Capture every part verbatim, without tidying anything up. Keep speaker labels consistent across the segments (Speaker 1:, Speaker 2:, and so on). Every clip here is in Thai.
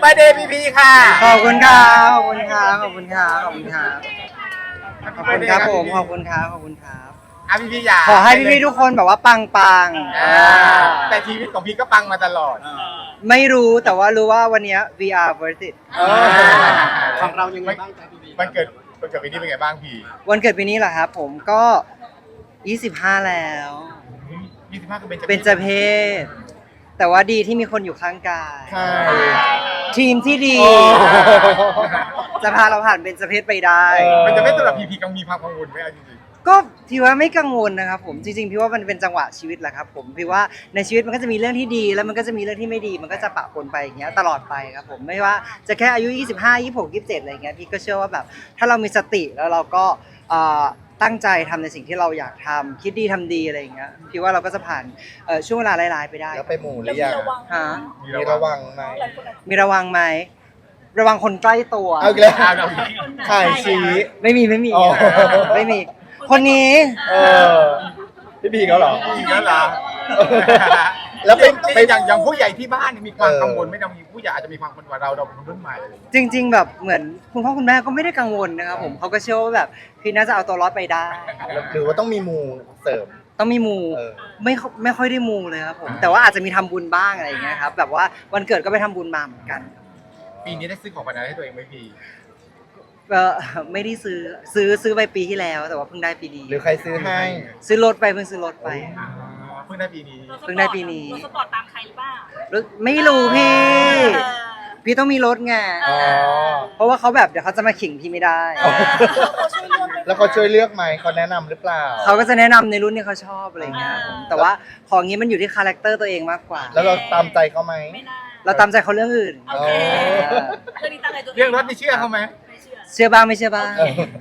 Speaker 1: เบิร์ธเดย์พีพีค่ะ
Speaker 2: ขอบคุณครับขอบคุณครับขอบคุณครับขอบคุณครับขอบคุณครับผมขอบคุณครับขอบคุณครับ
Speaker 1: อ่ะพีพีอยาก
Speaker 2: ขอให้พี่ๆทุกคนแบบว่าปังปัง
Speaker 1: แต่ชีวิตของพี่ก็ปังมาตลอด
Speaker 2: ไม่รู้แต่ว่ารู้ว่าวันนี้ we are worth it
Speaker 1: ของเรายังไงบ้างจ๊ะพีพีวันเกิดวันเกิดปีนี้เป็นไงบ้างพี่
Speaker 2: วันเกิดปีนี้เหรอครับผมก็ยี่สิบห้าแล้ว
Speaker 1: ยี่สิบห้าก็เป็น
Speaker 2: เป็นเจเพศแต่ว่าดีที่มีคนอยู่ข้างกายทีมที่ดีจะพาเราผ่านเป็นเจเพศไปได้
Speaker 1: มันจะไม่สำหรับพีพีกังมีความกังวลไหมจริง
Speaker 2: ๆก็พี่ว่าไม่กังวลนะครับผมจริงๆพี่ว่ามันเป็นจังหวะชีวิตแหละครับผมพี่ว่าในชีวิตมันก็จะมีเรื่องที่ดีแล้วมันก็จะมีเรื่องที่ไม่ดีมันก็จะปะปนไปอย่างเงี้ยตลอดไปครับผมไม่ว่าจะแค่อายุยี่สิบห้า ยี่สิบหก ยี่สิบเจ็ดอะไรเงี้ยพี่ก็เชื่อว่าแบบถ้าเรามีสติแล้วเราก็ตั้งใจทำในสิ่งที่เราอยากทำคิดดีทำดีอะไรอย่างเงี้ยพี่ว่าเราก็จะผ่านช่วงเวลาร้ายๆไปได้
Speaker 3: แล้วไปหมู่หรือยัง
Speaker 2: ฮะ
Speaker 3: มีระวังไหม
Speaker 2: มีระวังไหมระวังคนใกล้ตัว
Speaker 3: เอาอีกแล้วถ่ายชี้
Speaker 2: ไม่มีไม่มีไม่มีคนนี้
Speaker 3: เออพี่บีเขาเหรอ
Speaker 1: พี่เขาเหรอ
Speaker 3: แล้วเป็น
Speaker 1: เป็นอย่างอย่างผู้ใหญ่ที่บ้านมีความกังวลไม่ต้องมีผู้ใหญ่อาจจะมีความกังวลว่าเราเราเป็นคนรุ่นใหม่อะไร
Speaker 2: จริงๆแบบเหมือนคุณพ่อคุณแม่ก็ไม่ได้กังวลนะครับผมเขาก็เชื่อว่าแบบพี่น่าจะเอาตัวรอดไปได้
Speaker 3: หรือว่าต้องมีมูเสริม
Speaker 2: ต้องมีมูไม่ไม่ค่อยได้มูเลยครับผมแต่ว่าอาจจะมีทำบุญบ้างอะไรอย่างเงี้ยครับแบบว่าวันเกิดก็ไปทำบุญมาเหมือนกัน
Speaker 1: ปีนี้ได้ซื้อของขวัญอะไรให้ตัวเองไหมพี่
Speaker 2: เออไม่ได้ซื้อซื้อซื้อไปปีที่แล้วแต่ว่าเพิ่งได้ปีนี้
Speaker 3: หรือใครซื้อให้
Speaker 2: ซื้อรถไปเพิ่งซื้อรถไป
Speaker 1: เพิ่งได้ปีนี้
Speaker 2: เพิ่งได้ปีนี้
Speaker 4: รถสปอร์ตตามใครหรือเปล่า
Speaker 2: ไม่รู้พี่พี่ต้องมีรถไงเพราะว่าเขาแบบเดี๋ยวเขาจะมาขิงพี่ไม่ได้
Speaker 3: แล้วเขาช่วยเลือกไหมเขาแนะนำหรือเปล่า
Speaker 2: เขาก็จะแนะนำในรุ่นที่เขาชอบอะไรเงี้ยแต่ว่าของนี้มันอยู่ที่คาแรคเตอร์ตัวเองมากกว่า
Speaker 3: แล้วเราตามใจเขาไหม
Speaker 2: เราตามใจเขาเรื่องอื่น
Speaker 1: เรื่องรถนี่เชื่อเขาไหม
Speaker 2: เชื่อบ้างไม่เชื่อบ้าง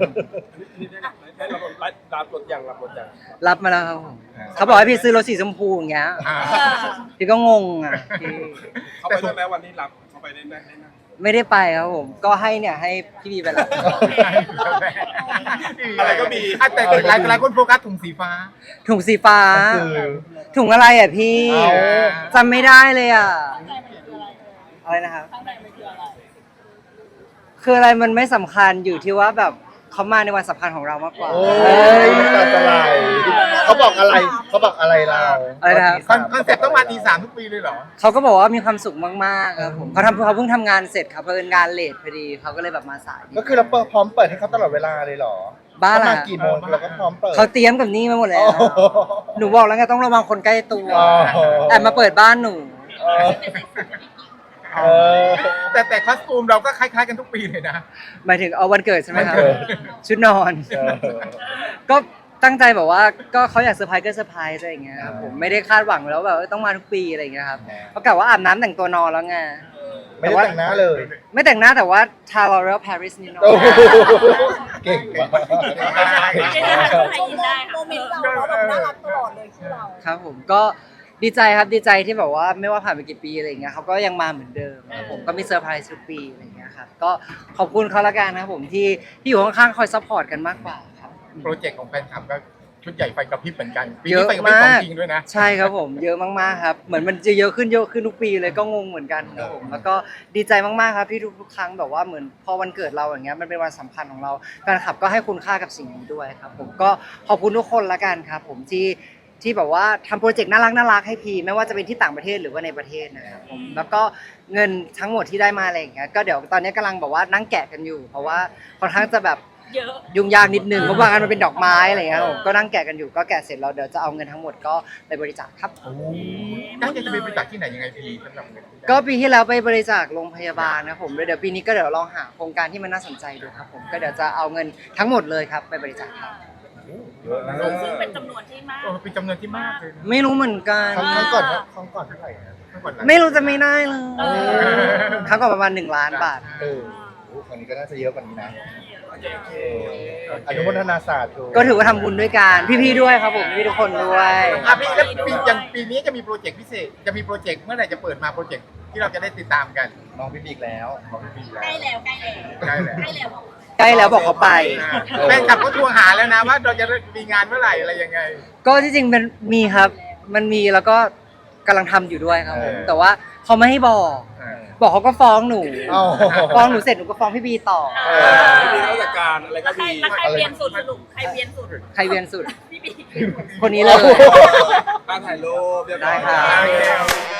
Speaker 5: รับรถยังรับรถยัง
Speaker 2: รับมาแล้วครับเขาบอกให้พี่ซื้อรถสีชมพูอย่างเงี้ยพี่ก็งงอ่ะ
Speaker 5: เขาไปได้ไหมวันนี้รับเขาไปได้ไหม
Speaker 2: ไม่ได้ไปครับผมก็ให้เนี่ยให้พี่บีไปแล้ว
Speaker 1: อะไรก็มีแต่หลายหลายคนโฟกัสถุงสีฟ้า
Speaker 2: ถุงสีฟ้าถุงอะไรอ่ะพี่จำไม่ได้เลยอ่ะอะไรนะครับคืออะไรมันไม่สำคัญอยู่ที่ว่าแบบเขามาในวันสำคัญของเรามากกว่า
Speaker 3: โอ้ยตาอะไรเขาบอกอะไรเขาบอกอะไรเรา
Speaker 2: อะไรนะ
Speaker 1: คอนเซ็ปต์ต้องมาตีสามทุกปีเลยเหรอ
Speaker 2: เขาก็บอกว่ามีความสุขมากๆครับผมเขาทำเขาเพิ่งทำงานเสร็จครับเพิ่งงานเลทพอดีเขาก็เลยแบบมาสาย
Speaker 3: ก็คือเราพร้อมเปิดให้เขาตลอดเวลาเลยเหรอ
Speaker 2: บ้า
Speaker 3: ละกี่โมงเราก็พร้อมเปิด
Speaker 2: เขาเตรียมกับนี่มาหมดแล้วหนูบอกแล้วไงต้องระวังคนใกล้ตัวแต่มาเปิดบ้านหนู
Speaker 1: แต่แต่คอสตูมเราก็คล้ายๆกันทุกปีเลยนะ
Speaker 2: หมายถึงเอาวันเกิดใช่ไหมครับชุดนอนก็ตั้งใจแบบว่าก็เขาอยากเซอร์ไพรส์ก็เซอร์ไพรส์อะไรอย่างเงี้ยครับผมไม่ได้คาดหวังแล้วแบบต้องมาทุกปีอะไรอย่างเงี้ยครับเพราะกะว่าอาบน้ำแต่งตัวนอนแล้วไง
Speaker 3: ไม่ได้แต่งหน้าเลย
Speaker 2: ไม่แต่งหน้าแต่ว่าทา L'Oreal Paris นี่เนาะ
Speaker 3: เก่งมาก
Speaker 4: โมเมนต์เราเราแบบน่ารักตลอดเลยที่เรา
Speaker 2: ครับผมก็ดีใจครับดีใจที่แบบว่าไม่ว่าผ่านไปกี่ปีอะไรเงี้ยเขาก็ยังมาเหมือนเดิมผมก็มีเซอร์ไพรส์ทุกปีอะไรเงี้ยครับก็ขอบคุณเขาละกันนะครับผมที่ที่อยู่ข้างๆคอยซัพพอร์ตกันมากกว่าครับ
Speaker 1: โปรเจกต์ของแฟนคลับก็ชุดใหญ่ไฟกระพริบเหมือนกันปีนี้ไฟกระพริบของจริงด้วยนะ
Speaker 2: ใช่ครับผมเยอะมากๆครับเหมือนมันจะเยอะขึ้นเยอะขึ้นทุกปีเลยก็งงเหมือนกันครับผมแล้วก็ดีใจมากๆครับที่ทุกๆครั้งแบบว่าเหมือนพอวันเกิดเราอย่างเงี้ยมันเป็นวันสำคัญของเราแฟนคลับก็ให้คุณค่ากับสิ่งนี้ด้วยครับผมก็ขอบคุณทุกคนละกันครับผมที่ที่แบบว่าทำโปรเจกต์น่ารักน่ารักให้พีไม่ว่าจะเป็นที่ต่างประเทศหรือว่าในประเทศนะครับผมแล้วก็เงินทั้งหมดที่ได้มาอะไรอย่างเงี้ยก็เดี๋ยวตอนนี้กำลังแบบว่านั่งแกะกันอยู่เพราะว่าค่อนข้างจะแบบยุ่งยากนิดนึงเพราะว่าอันมันเป็นดอกไม้อะไรเงี้ยผมก็นั่งแกะกันอยู่ก็แกะเสร็จแล้วเดี๋ยวจะเอาเงินทั้งหมดก็ไปบริจาคครับ
Speaker 1: ตั้งใจจะไปบริจาคที่ไหนยังไงพีสำหรับเงิน
Speaker 2: ก็ปีที่แล้วไปบริจาคโรงพยาบาลนะผมเดี๋ยวปีนี้ก็เดี๋ยวลองหาโครงการที่มันน่าสนใจดูครับผมก็เดี๋ยวจะเอาเงินทั้งหมดเลยครับไปบริจาคครับ
Speaker 4: ซึ่งเป็นจำนวนที่มาก
Speaker 1: เป็นจำนวนที่มากเลย
Speaker 2: ไม่รู้เหมือนกัน
Speaker 3: ครั้งก่อนครั้งก่อนเท่าไหร่
Speaker 2: ไม่รู้จะไม่ได้เลยครั้งก่อนประมาณหนึ่งล้านบาท
Speaker 3: เออครั้งนี้ก็น่าจะเยอะกว่านี้นะอนุโมทนาสาธุ
Speaker 2: ก็ถือว่าทำบุญด้วยกันพี่ๆด้วยครับผมพี่ทุกคนด้วย
Speaker 1: อ่ะพี่แล้วปีอย่างปีนี้จะมีโปรเจกต์พิเศษจะมีโปรเจกต์เมื่อไหร่จะเปิดมาโปรเจกต์ที่เราจะได้ติดตามกัน
Speaker 3: น้องพี่บิ๊กแล้ว
Speaker 1: น้องพี่บิ๊กแล้ว
Speaker 4: ใกล้แล้วใกล้แล้วใกล้แล้วใกล้แล้ว
Speaker 2: ใกล้แล้วบอกเขาไป
Speaker 1: แฟนคลับก็ทวงหาแล้วนะว่าเราจะมีงานเมื่อไหร่อะไรยังไง
Speaker 2: ก็ที่จริงมันมีครับมันมีแล้วก็กำลังทำอยู่ด้วยครับผมแต่ว่าเขาไม่ให้บอกบอกเขาก็ฟ้องหนู
Speaker 3: เอ้า
Speaker 2: ฟ้องหนูเสร็จหนูก็ฟ้องพี่บีต่อ
Speaker 5: เออไม่มีราชการอะไร
Speaker 4: แล้
Speaker 5: ก็
Speaker 4: วใคร
Speaker 5: ดี
Speaker 4: แล้วใครเวียนสุดสรุปใครเวียนสุด
Speaker 2: ใครเวียนสุด
Speaker 4: พี่บี
Speaker 2: คนนี้เลย
Speaker 5: การถ่ายรูปเรียบร้
Speaker 2: ได้
Speaker 5: อย
Speaker 2: ครับ